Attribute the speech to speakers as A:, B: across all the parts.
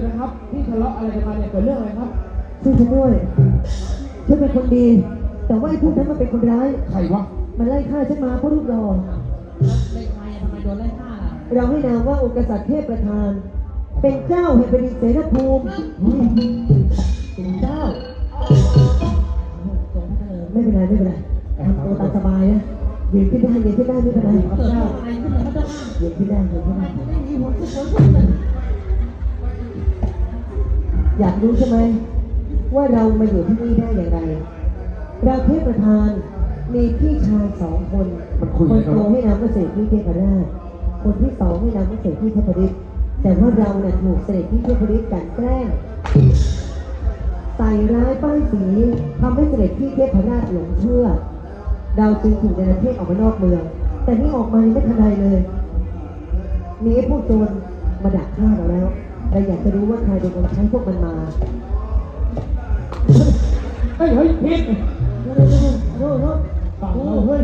A: นะครับที่ทะเลาะอะไรกันมาเนี่ยเกิดเรื่องอะไรครับ
B: ช่วยฉันด้วยฉันเป็นคนดี แต่ว่าไอ้พวกนั้นมันเป็นคนร้าย
A: ใครวะ
B: มันไล่ฆ่าฉันมาเพราะรูปหล่อ
C: เล่นไงทำไมโดนไล่ฆ่าล่ะ
B: เราให้นามว่าองค์กษัตริย์เทพประธาน เป็นเจ้าแห่งแผ่นดินเสรภูมิเป็นเจ้าไม่เป็นไรไม่เป็นไรทำตัวตามสบายนะยืนขึ้นได้ยืนขึ้นได้ไม่เป็นไรครับเจ้ายืนขึ้นได้ยืนขึ้นได้อยากรู้ใช่ไหมว่าเรามาอยู่ที่นี่ได้อย่างไรเราเทพประธานมีพี่ชาย2 คนคนโตให้นามว่าเสด็จพี่เทพราชคนที่2ให้นามว่าเสด็จพี่เทพฤทธิ์แต่ว่าเราเนี่ยถูกเสด็จพี่เทพฤทธิ์กลั่นแกล้งใส่ร้ายป้ายสีทำให้เสด็จพี่เทพราชหลงเชื่อเราจึงถูกในประเทศออกมานอกเมืองแต่นี่ออกมาไม่ทันใดเลยมีไอ้พวกโจรมาดักฆ่าเราแล้วเราอยากจะรู้ว่าใครเป็นคนใช้พวกมันมา
A: เฮ้ยพิษฝั่งเราเฮ้ย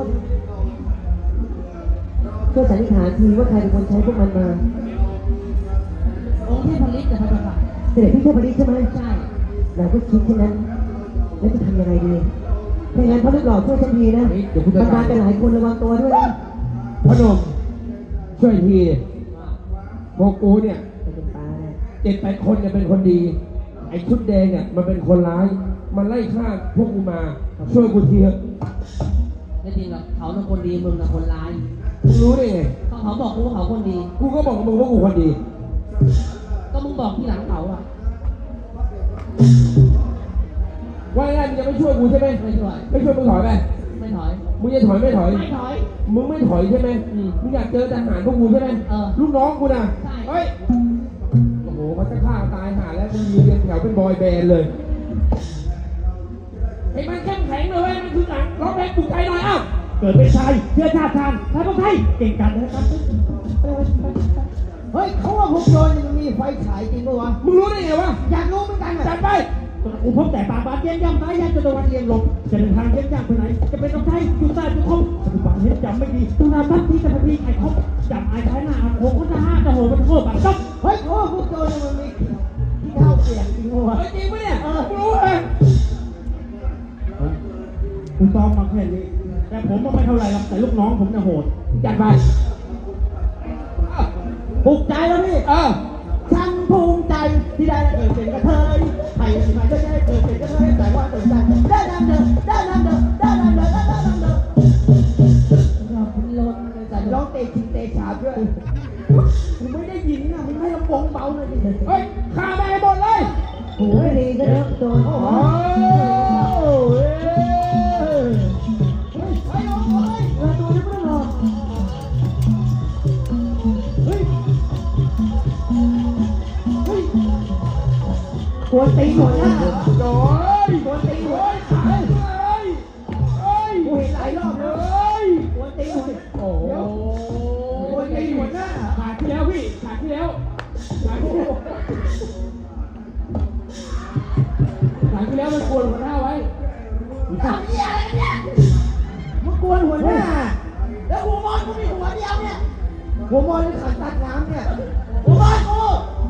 B: ช่วยสันนิษฐานทีว่าใครเป็นคนใช้พวกมันมา
C: องค์เทพฤทธิ์นะครับ
B: เสด็จพี่เทพฤทธิ์ใช่ไหม
C: ใช่
B: เราก็คิดแค่นั้นแล้วจะทำยังไงดีถ้างั้นพระลูกหล่อช่วยฉันทีนะประธานกันหลายคนระวังตัวด้วยนะ
A: พนมช่วยทีพวกกูเนี่ย7-8 คนเนี่ยเป็นคนดีไอ้ชุดแดงเนี่ยมันเป็นคนร้ายมันไล่ฆ่าพวกกูมาช่วยกูทีเถอะ
C: ไม่จริงหรอกเขาเป็นคนดีมึงเป็นคนร้าย
A: มึงรู้ได้ไง
C: เขาบอกกูว่าเขาคนดี
A: กูก็บอกกับมึงว่ากูคนดี
C: ก็มึงบอกที่หลังเขาอะ
A: ว่าไงมึงจะไม่ช่วยกูใช่ไหม
C: ไม่ช่วย
A: มึงถอยไป
C: ไม่ถอย
A: มึงจะถอยไม่ถอยมึงไม่ถอยใช่ไหมมึงอยากเจอทหารพวกกูใช่ไหมลูกน้องกูนะเฮ้ยโอ้โหเขาจะฆ่าตายหาแล้วมึงยืนเรียงแถวเป็นบอยแบนด์เลยไอ้มันเข้มแข็งเลยมันคือหนังร้องเพลงปลุกใจหน่อยอ้าวเกิดเป็นชายเชื้อชาติชาญชายต้องไทยเก่งกันนะครับ
D: เฮ้ยเขาว่าพวกโจรมันมีไฟฉายจริงปะวะ
A: มึงรู้ได้ไงวะ
D: อยากรู้เหมือนกัน
A: จัดไป
D: กูพบแต่ปากบานเยี่ยมย่ำซ้ายย่ำจะตะวันเอียงหลบจะเดินทางเยี่ยมย่ำไปไหนจะเป็นต้องใช้จุดใต้จุดคมปัจจุบันเห็นจำไม่ดีตุนาทัพที่จะพพีไอ้คบจำไอ้ท้ายหน้าโค้งก็จะห้าจะโหมันโคตรบัตรจ๊อบเฮ้ยเขาว่าพวกโจรมันมีที่เท้าเปลี่ยนจริงปะวะ
A: จริงปะเนี่ยกูรู้เลย
D: กูซ้อมมาแค่นี้แต่ผมก็ไม่เท่าไรหรอกแต่ลูกน้องผมจะโหด
A: จัดไป
D: ปลุกใจแล้วพี่ฉันภูมิใจที่ได้เกิดเป็นกระเทยใครที่มาจะได้เกิดเป็นกระเทยแต่ว่าตื่นใจได้นำเดินได้นำเดินได้นำเดินได้นำเดิน
C: เราเป็นรถ
D: แต่ร้องเตะชิงเตะฉาบด้วยกูไม่ได้ยินนะมึงให้ลำโพงเบาหน่อยดิ
A: เฮ้ยฆ่าแม่หมดเลย
B: โอ้ยดีก็เยอะโดน
A: โอ้
D: กวนตีหัวหน้า
A: โอ้ย
D: กวนตีหัวกูเห็นหลายรอบเลยกวนตีหัวโอ้โหกวนตีหัวหน้า
A: ขาดที่แล้วพี่ขาดที่แล้วมันกวนหัวหน้าไว้
D: ทำเนี่ยอะไรเนี่ยมันกวนหัวหน้าแล้วหัวมอนกูมีหัวเดียวเนี่ยหัวมอนที่ขันตัดน้ำเนี่ยหัวมอนกู